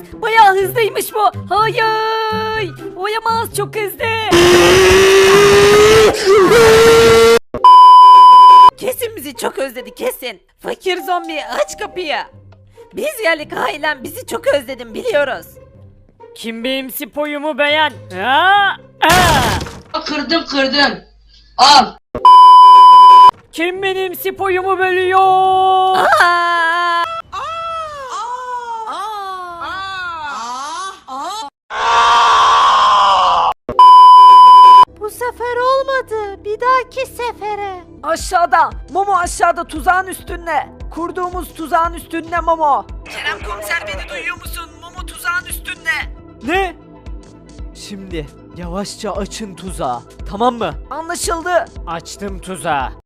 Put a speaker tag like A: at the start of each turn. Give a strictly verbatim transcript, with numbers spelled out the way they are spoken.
A: Bayağı hızlıymış bu. Hayır. Oyamaz, çok hızlı. Kesin bizi çok özledi kesin. Fakir zombi aç kapıyı. Biz geldik ailem, bizi çok özledim biliyoruz.
B: Kim benim spoyumu beğen? Ha? Aa!
C: Kırdım kırdım. Al.
B: Kim benim spoyumu bölüyor?
A: Aa! Bu sefer olmadı. Bir dahaki sefere. Aşağıda. Momo aşağıda, tuzağın üstünde. Kurduğumuz tuzağın üstünde Momo. Kerem komiser, beni duyuyor musun? Momo tuzağın üstünde.
B: Ne? Şimdi yavaşça açın tuzağı. Tamam mı?
A: Anlaşıldı.
B: Açtım tuzağı.